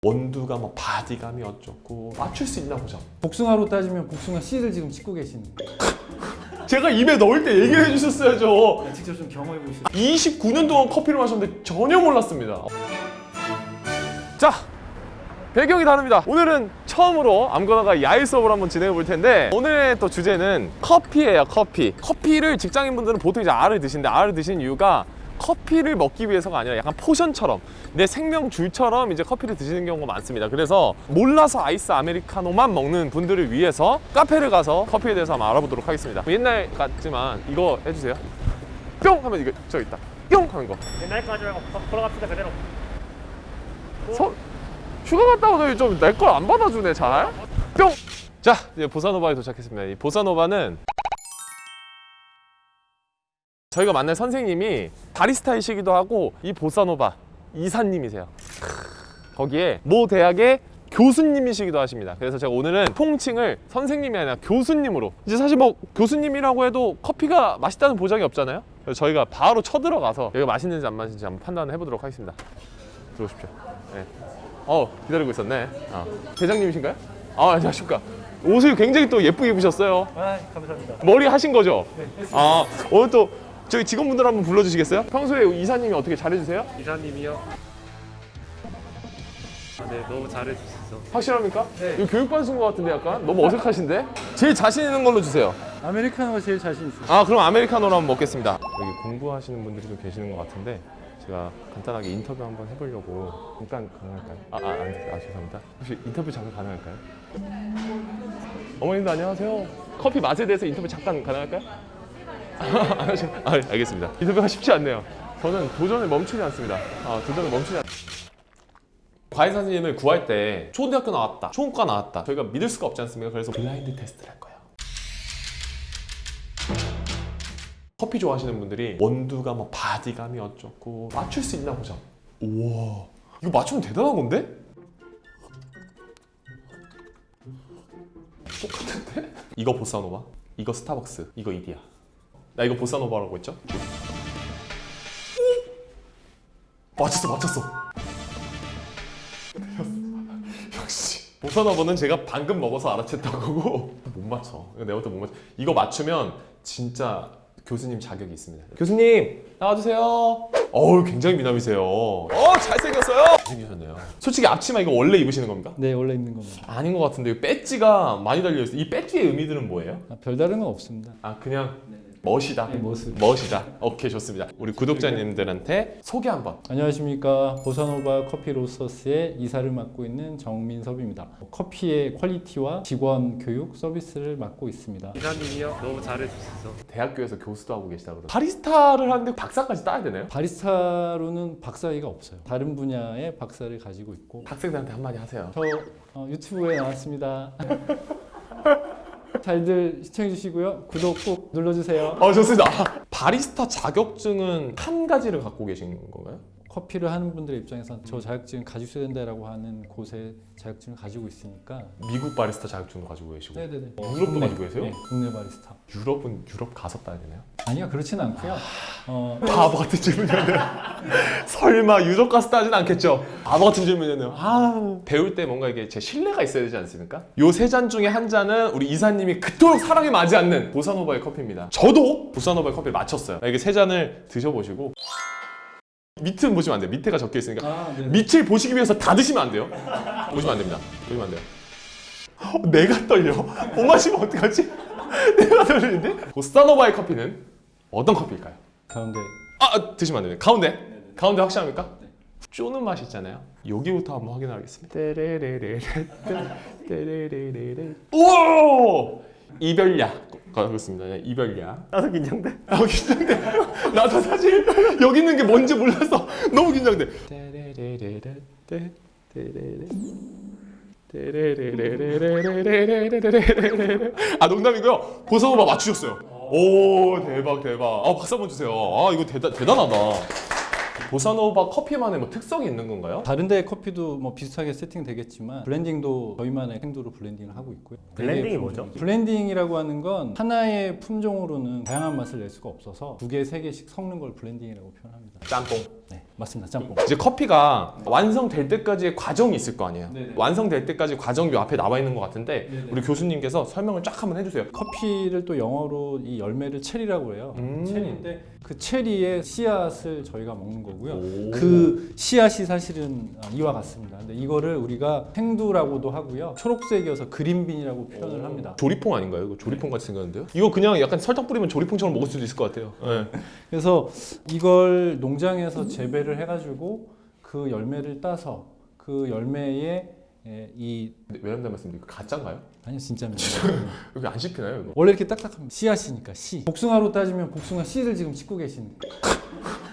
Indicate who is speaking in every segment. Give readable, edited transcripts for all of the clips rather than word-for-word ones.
Speaker 1: 원두가 뭐 바디감이 어쩌고 맞출 수 있나 보자.
Speaker 2: 복숭아로 따지면 복숭아 씨를 지금 씻고 계시는 거예요.
Speaker 1: 제가 입에 넣을 때 얘기를 해주셨어야죠.
Speaker 2: 직접 좀 경험해 보시죠.
Speaker 1: 29년 동안 커피를 마셨는데 전혀 몰랐습니다. 자, 배경이 다릅니다. 오늘은 처음으로 아무거나가 야외 수업을 한번 진행해 볼 텐데, 오늘의 또 주제는 커피예요. 커피를 직장인분들은 보통 이제 알을 드시는데, 알을 드시는 이유가 커피를 먹기 위해서가 아니라 약간 포션처럼, 내 생명줄처럼 이제 커피를 드시는 경우가 많습니다. 그래서 몰라서 아이스 아메리카노만 먹는 분들을 위해서 카페를 가서 커피에 대해서 한번 알아보도록 하겠습니다. 옛날 같지만 이거 해주세요. 뿅 하면 이거 저기 있다. 뿅 하는 거.
Speaker 3: 옛날까지 말고 돌아갑시다 그대로.
Speaker 1: 휴가 갔다 오더니 좀 내 걸 안 받아주네 잘. 뿅! 자, 이제 보사노바에 도착했습니다. 이 보사노바는 저희가 만난 선생님이 바리스타이시기도 하고 이 보사노바 이사님이세요. 거기에 모 대학의 교수님이시기도 하십니다. 그래서 제가 오늘은 통칭을 선생님이 아니라 교수님으로, 이제 사실 뭐 교수님이라고 해도 커피가 맛있다는 보장이 없잖아요. 그래서 저희가 바로 쳐들어가서 여기가 맛있는지 안 맛있는지 한번 판단을 해보도록 하겠습니다. 들어오십시오. 네. 기다리고 있었네. 대장님이신가요? 안녕하십니까. 옷을 굉장히 또 예쁘게 입으셨어요.
Speaker 3: 감사합니다.
Speaker 1: 머리 하신 거죠? 네, 했습니다. 오늘 또 저희 직원분들 한번 불러주시겠어요? 평소에 이사님이 어떻게 잘해주세요?
Speaker 3: 이사님이요? 네, 너무 잘해주셔서.
Speaker 1: 확실합니까?
Speaker 3: 네.
Speaker 1: 이거 교육받으신 것 같은데 약간? 너무 어색하신데? 제일 자신 있는 걸로 주세요.
Speaker 2: 아메리카노가 제일 자신 있어요.
Speaker 1: 그럼 아메리카노로 한번 먹겠습니다. 여기 공부하시는 분들이 좀 계시는 것 같은데, 제가 간단하게 인터뷰 한번 해보려고. 잠깐 가능할까요? 죄송합니다. 혹시 인터뷰 잠깐 가능할까요? 어머님도 안녕하세요. 커피 맛에 대해서 인터뷰 잠깐 가능할까요? 알겠습니다. 인터뷰가 쉽지 않네요. 저는 도전을 멈추지 않습니다. 도전을 멈추지 않습니다. 과외 선생님을 구할 때 초등학교 나왔다, 초음과 나왔다, 저희가 믿을 수가 없지 않습니까? 그래서 블라인드 테스트를 할 거예요. 커피 좋아하시는 분들이 원두가 뭐 바디감이 어쩌고 맞출 수 있나 보자. 우와, 이거 맞추면 대단한 건데? 똑같은데? 이거 보사노바, 이거 스타벅스, 이거 이디야. 나 이거 보사노바라고 했죠? 맞췄어. 역시 보사노바는 제가 방금 먹어서 알아챘던 거고 못 맞춰. 내가 못 맞춰. 이거 맞추면 진짜 교수님 자격이 있습니다. 교수님 나와주세요. 굉장히 미남이세요. 잘생겼어요. 잘생기셨네요. 솔직히 앞치마 이거 원래 입으시는 겁니까?
Speaker 2: 네, 원래 입는 겁니다.
Speaker 1: 아닌 것 같은데 배지가 많이 달려있어요. 이 배지의 의미들은 뭐예요?
Speaker 2: 별다른 건 없습니다.
Speaker 1: 그냥 멋이다.
Speaker 2: 네, 모습.
Speaker 1: 멋이다. 오케이, 좋습니다. 우리 구독자님들한테 소개 한번.
Speaker 2: 안녕하십니까. 보사노바 커피 로스터스의 이사를 맡고 있는 정민섭입니다. 커피의 퀄리티와 직원 교육 서비스를 맡고 있습니다.
Speaker 3: 이사님이요? 너무 잘해주셔서.
Speaker 1: 대학교에서 교수도 하고 계시다 그러더라고요. 바리스타를 하는데 박사까지 따야 되나요?
Speaker 2: 바리스타로는 박사위가 없어요. 다른 분야의 박사를 가지고 있고.
Speaker 1: 학생들한테 한마디 하세요.
Speaker 2: 저 유튜브에 나왔습니다. 잘들 시청해 주시고요. 구독 꼭 눌러주세요.
Speaker 1: 좋습니다. 바리스타 자격증은 한 가지를 갖고 계신 건가요?
Speaker 2: 커피를 하는 분들의 입장에서는 저 자격증을 가지고 있어야 된다라고 하는 곳에 자격증을 가지고 있으니까.
Speaker 1: 미국 바리스타 자격증도 가지고 계시고.
Speaker 2: 네네네.
Speaker 1: 유럽도 가지고 계세요?
Speaker 2: 네, 국내 바리스타.
Speaker 1: 유럽은 유럽 가서 따야 되나요?
Speaker 2: 아니요, 그렇진 않고요.
Speaker 1: 바보 같은 질문이었네요. 설마 유럽 가서 따진 않겠죠? 바보 같은 질문이었네요. 배울 때 뭔가 이게 제 신뢰가 있어야 되지 않습니까? 요 세 잔 중에 한 잔은 우리 이사님이 그토록 사랑에 맞지 않는 보사노바의 커피입니다. 저도 보사노바의 커피를 마쳤어요. 이게 세 잔을 드셔보시고, 밑은 보시면 안 돼요. 밑에가 적혀 있으니까. 밑을 보시기 위해서 다 드시면 안 돼요. 보시면 안 됩니다. 보시면 안 돼요. 내가 떨려. 못 마시면 어떡하지? 내가 떨리는데? 보사노바의 커피는 어떤 커피일까요?
Speaker 2: 가운데.
Speaker 1: 드시면 안 됩니다. 가운데? 가운데 확실합니까? 쪼는 맛이 있잖아요. 여기부터 한번 확인하겠습니다. 오! 이별약. 그렇습니다. 이별약.
Speaker 3: 나도 긴장돼.
Speaker 1: 긴장돼. 나도 사실 여기 있는 게 뭔지 몰라서 너무 긴장돼. 농담이고요. 보사노바 맞추셨어요. 오, 대박. 박수 한번 주세요. 이거 대단하다. 보사노바 커피만의 뭐 특성이 있는 건가요?
Speaker 2: 다른 데 커피도 뭐 비슷하게 세팅되겠지만 블렌딩도 저희만의 행도로 블렌딩을 하고 있고요.
Speaker 3: 블렌딩이 뭐죠?
Speaker 2: 블렌딩이라고 하는 건 하나의 품종으로는 다양한 맛을 낼 수가 없어서 2개, 3개씩 섞는 걸 블렌딩이라고 표현합니다.
Speaker 1: 짬뽕.
Speaker 2: 네, 맞습니다. 짬뽕.
Speaker 1: 이제 커피가 완성될 때까지의 과정이 있을 거 아니에요.
Speaker 2: 네네.
Speaker 1: 완성될 때까지 과정이 앞에 나와 있는 것 같은데
Speaker 2: 네네.
Speaker 1: 우리 교수님께서 설명을 쫙 한번 해주세요.
Speaker 2: 커피를 또 영어로 이 열매를 체리라고 해요.
Speaker 1: 음.
Speaker 2: 체리인데 그 체리의 씨앗을 저희가 먹는 거고요.
Speaker 1: 오.
Speaker 2: 그 씨앗이 사실은 이와 같습니다. 근데 이거를 우리가 생두라고도 하고요. 초록색이어서 그린빈이라고 표현을 합니다.
Speaker 1: 조리퐁 아닌가요? 이거 조리퐁 같이 생겼는데요? 이거 그냥 약간 설탕 뿌리면 조리퐁처럼 먹을 수도 있을 것 같아요. 네.
Speaker 2: 그래서 이걸 농장에서 재배를 해가지고 그 열매를 따서 그 열매에 이
Speaker 1: 왜냐면 닮았습니다. 이거 가짜인가요?
Speaker 2: 아니요 진짜입니다.
Speaker 1: 여기 안 씹히나요 이거?
Speaker 2: 원래 이렇게 딱딱합니다. 씨앗이니까 씨. 복숭아로 따지면 복숭아 씨를 지금 씹고 계시는 거예요.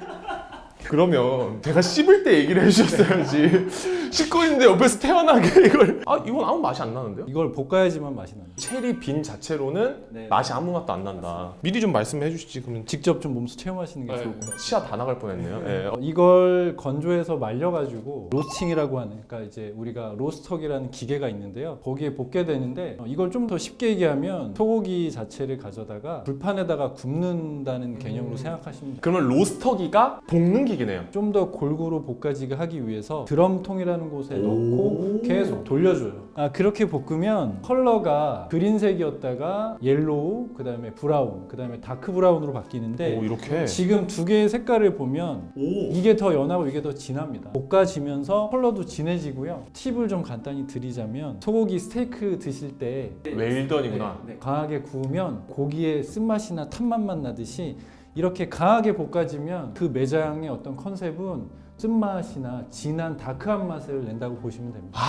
Speaker 1: 그러면 제가 씹을 때 얘기를 해주셨어야지. 씹고 있는데 옆에서 태연하게 이걸 이건 아무 맛이 안 나는데요?
Speaker 2: 이걸 볶아야지만 맛이 납니다.
Speaker 1: 체리 빈 자체로는
Speaker 2: 네.
Speaker 1: 맛이 아무 맛도 안 난다. 미리 좀 말씀해 주시지 그러면.
Speaker 2: 직접 좀 몸소 체험하시는 게 좋을 것 같아요.
Speaker 1: 치아 다 나갈 뻔했네요. 네.
Speaker 2: 이걸 건조해서 말려가지고 로스팅이라고 하는, 그러니까 이제 우리가 로스터기라는 기계가 있는데요. 거기에 볶게 되는데 이걸 좀 더 쉽게 얘기하면 소고기 자체를 가져다가 불판에다가 굽는다는 개념으로 생각하시면 돼요.
Speaker 1: 그러면 로스터기가 볶는 기계네요.
Speaker 2: 좀 더 골고루 볶아지게 하기 위해서 드럼통이라는 곳에 넣고 계속 돌려줘요. 그렇게 볶으면 컬러가 그린색이었다가 옐로우, 그 다음에 브라운, 그 다음에 다크 브라운으로 바뀌는데
Speaker 1: 오 이렇게.
Speaker 2: 지금 두 개의 색깔을 보면 이게 더 연하고 이게 더 진합니다. 볶아지면서 컬러도 진해지고요. 팁을 좀 간단히 드리자면 소고기 스테이크 드실 때
Speaker 1: 웰던이구나.
Speaker 2: 강하게 구우면 고기의 쓴맛이나 탄맛만 나듯이 이렇게 강하게 볶아지면 그 매장의 어떤 컨셉은 쓴맛이나 진한 다크한 맛을 낸다고 보시면 됩니다.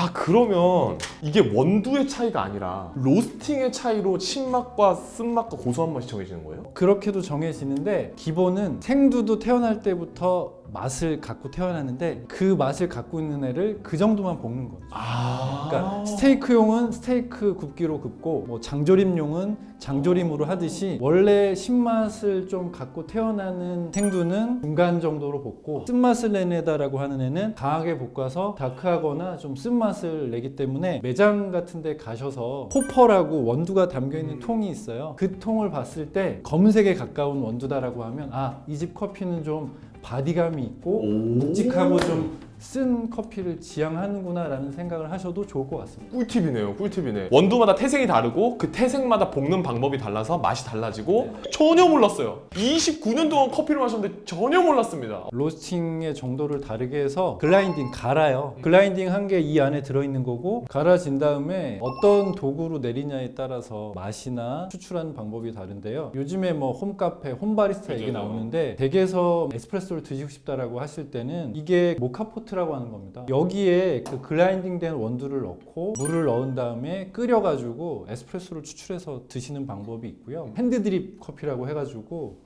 Speaker 1: 그러면 이게 원두의 차이가 아니라 로스팅의 차이로 신맛과 쓴맛과 고소한 맛이 정해지는 거예요?
Speaker 2: 그렇게도 정해지는데 기본은 생두도 태어날 때부터 맛을 갖고 태어나는데 그 맛을 갖고 있는 애를 그 정도만 볶는 거죠. 그러니까 스테이크용은 스테이크 굽기로 굽고 뭐 장조림용은 장조림으로 하듯이 원래 신맛을 좀 갖고 태어나는 생두는 중간 정도로 볶고 쓴맛을 내다라고 하는 애는 강하게 볶아서 다크하거나 좀 쓴맛을 내기 때문에 매장 같은 데 가셔서 호퍼라고 원두가 담겨있는 통이 있어요. 그 통을 봤을 때 검은색에 가까운 원두다라고 하면 이 집 커피는 좀 바디감이 있고 묵직하고 좀 쓴 커피를 지향하는구나 라는 생각을 하셔도 좋을 것 같습니다.
Speaker 1: 꿀팁이네요. 꿀팁이네. 원두마다 태생이 다르고 그 태생마다 볶는 방법이 달라서 맛이 달라지고 전혀 몰랐어요. 29년 동안 커피를 마셨는데 전혀 몰랐습니다.
Speaker 2: 로스팅의 정도를 다르게 해서 글라인딩 갈아요. 글라인딩 한 게 이 안에 들어있는 거고 갈아진 다음에 어떤 도구로 내리냐에 따라서 맛이나 추출하는 방법이 다른데요. 요즘에 뭐 홈카페, 홈바리스타 얘기 나오는데 댁에서 에스프레소를 드시고 싶다라고 하실 때는 이게 모카포트 라고 하는 겁니다. 여기에 그 글라인딩된 원두를 넣고 물을 넣은 다음에 끓여가지고 에스프레소를 추출해서 드시는 방법이 있고요. 핸드드립 커피라고 해가지고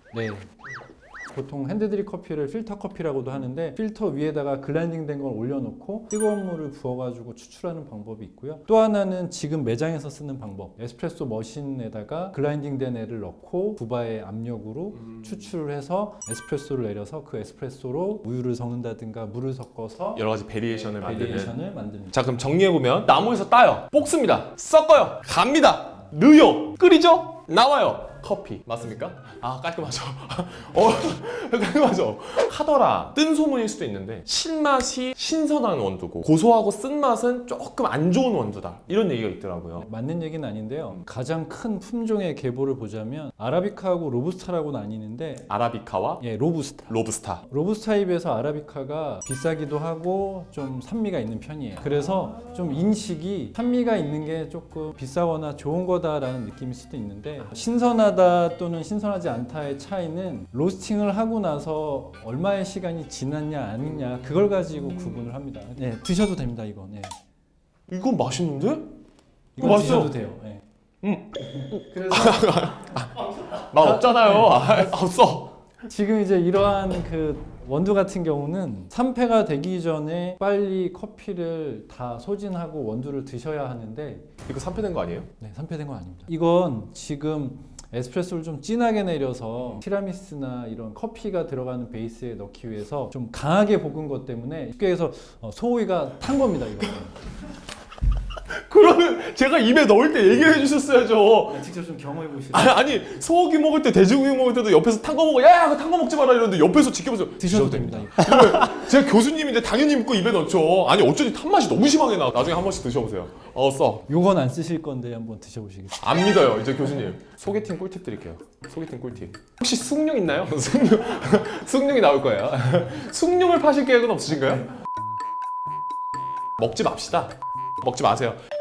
Speaker 2: 보통 핸드드립 커피를 필터 커피라고도 하는데 필터 위에다가 글라인딩된 걸 올려놓고 뜨거운 물을 부어가지고 추출하는 방법이 있고요. 또 하나는 지금 매장에서 쓰는 방법, 에스프레소 머신에다가 글라인딩된 애를 넣고 부바의 압력으로 추출을 해서 에스프레소를 내려서 그 에스프레소로 우유를 섞는다든가 물을 섞어서
Speaker 1: 여러 가지 베리에이션을 만드는.
Speaker 2: 베리에이션을 만드는.
Speaker 1: 자 그럼 정리해보면 나무에서 따요, 볶습니다, 섞어요, 갑니다, 넣어요, 끓이죠, 나와요. 커피 맞습니까? 깔끔하죠. 깔끔하죠. 하더라 뜬 소문일 수도 있는데 신맛이 신선한 원두고 고소하고 쓴맛은 조금 안 좋은 원두다 이런 얘기가 있더라고요.
Speaker 2: 맞는 얘기는 아닌데요. 가장 큰 품종의 계보를 보자면 아라비카하고 로부스타라고 나뉘는데
Speaker 1: 아라비카와
Speaker 2: 로부스타. 로부스타에 비해서 아라비카가 비싸기도 하고 좀 산미가 있는 편이에요. 그래서 좀 인식이 산미가 있는 게 조금 비싸거나 좋은 거다라는 느낌일 수도 있는데 신선하다 또는 신선하지 않다의 차이는 로스팅을 하고 나서 얼마의 시간이 지났냐 아니냐 그걸 가지고 구분을 합니다. 드셔도 됩니다. 이거.
Speaker 1: 이건 맛있는데?
Speaker 2: 이거
Speaker 1: 맛있어.
Speaker 2: 드셔도 돼요. 그래서
Speaker 1: 맛 없잖아요. 없어.
Speaker 2: 지금 이제 이러한 그 원두 같은 경우는 산패가 되기 전에 빨리 커피를 다 소진하고 원두를 드셔야 하는데
Speaker 1: 이거 산패된 거 아니에요?
Speaker 2: 산패된 건 아닙니다. 이건 지금 에스프레소를 좀 진하게 내려서 티라미수나 이런 커피가 들어가는 베이스에 넣기 위해서 좀 강하게 볶은 것 때문에 쉽게 해서 소고기가 탄 겁니다. 이거.
Speaker 1: 그러면 제가 입에 넣을 때 얘기를 해주셨어야죠.
Speaker 2: 직접 좀 경험해 보시죠.
Speaker 1: 아니 소고기 먹을 때 돼지고기 먹을 때도 옆에서 탄 거 먹어. 야 그거 탄 거 먹지 마라 이러는데 옆에서 지켜보세요.
Speaker 2: 드셔도 됩니다.
Speaker 1: 그러면 제가 교수님인데 당연히 먹고 입에 넣죠. 아니 어쩐지 탄 맛이 너무 심하게 나. 나중에 한 번씩 드셔보세요. 써.
Speaker 2: 요건 안 쓰실 건데 한번 드셔보시겠어요?
Speaker 1: 안 믿어요 이제 교수님. 소개팅 꿀팁 드릴게요. 소개팅 꿀팁. 혹시 숭늉 있나요? 숭늉이 나올 거예요. 숭늉을 파실 계획은 없으신가요? 먹지 맙시다. 먹지 마세요.